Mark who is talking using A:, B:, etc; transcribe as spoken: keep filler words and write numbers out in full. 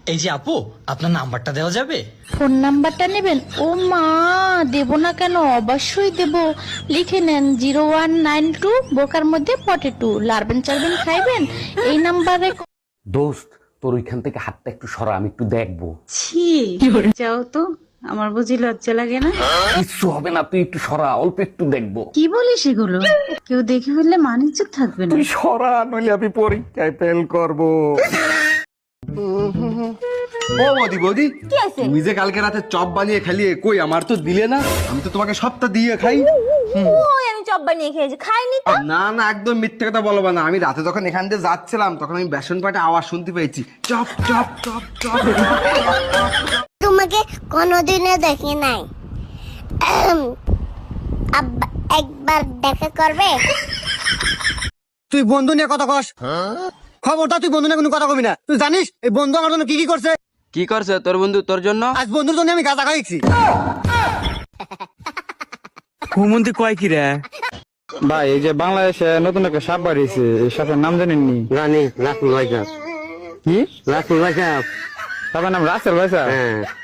A: এই যে আপু, আপনার নাম্বারটা দেওয়া যাবে?
B: ফোন নাম্বারটা নেবেন? ও মা, দেব না কেন, অবশ্যই দেব। লিখে নেন জিরো ওয়ান নাইন টু বোকার মধ্যে পটেটু, লারবেন চারবেন খাইবেন এই নাম্বারে।
C: দোস্ত, তোর ওইখান থেকে হাতটা একটু সরা, আমি একটু দেখবো।
D: ছি, যাও তো, আমার বুঝি লজ্জা লাগে না?
C: কিচ্ছু হবে না, তুই একটু সরা, অল্প একটু দেখবো।
D: কি বলিস এগুলো? কেউ দেখে ফেললে মানিজ্য থাকবে না।
C: তুই সরা, নইলে আমি পরীক্ষায় ফেল করবো।
E: ও বৌদি বৌদি, তুমি যে কালকে রাতে চপ বানিয়ে খালিয়ে কই আমার তো দিলে না? আমি তো তোমাকে সপ্তাহ দিয়ে খাই।
F: ওই আমি চপ বানিয়ে খেয়েছি, খাইনি তো।
E: না না, একদম মিথ্যে কথা বলবো না। আমি রাতে যখন এখান দিয়ে যাচ্ছিলাম তখন আমি বেসন পাটে আওয়াজ শুনতে পেয়েছি, চপ চপ চপ চপ।
G: তোমাকে কোনোদিনও দেখি নাই, আব্বা একবার দেখা করবে?
H: তুই বন্ধু নিয়ে কথা কস, খবরটা তুই বন্ধু নিয়ে কোনো কথা কবি না। তুই জানিস এই বন্ধু আমার জন্য কি কি করছে?
I: কি করছে তোর বন্ধু তোর জন্য?
H: আজ বন্ধুর জন্য আমি গাঁজা খাইছি।
I: হুমন্তি কয় কি রে? ভাই, এই যে বাংলাদেশে নতুন একটা সাপ বাড়িয়েছে, এই সাপের নাম জানেননি?
H: জানি, রাসেল ভাই সাহেব।
I: কি
H: রাসেল ভাই সাহেব।
I: সাপের নাম রাসেল ভাই সাহেব?
H: হ্যাঁ।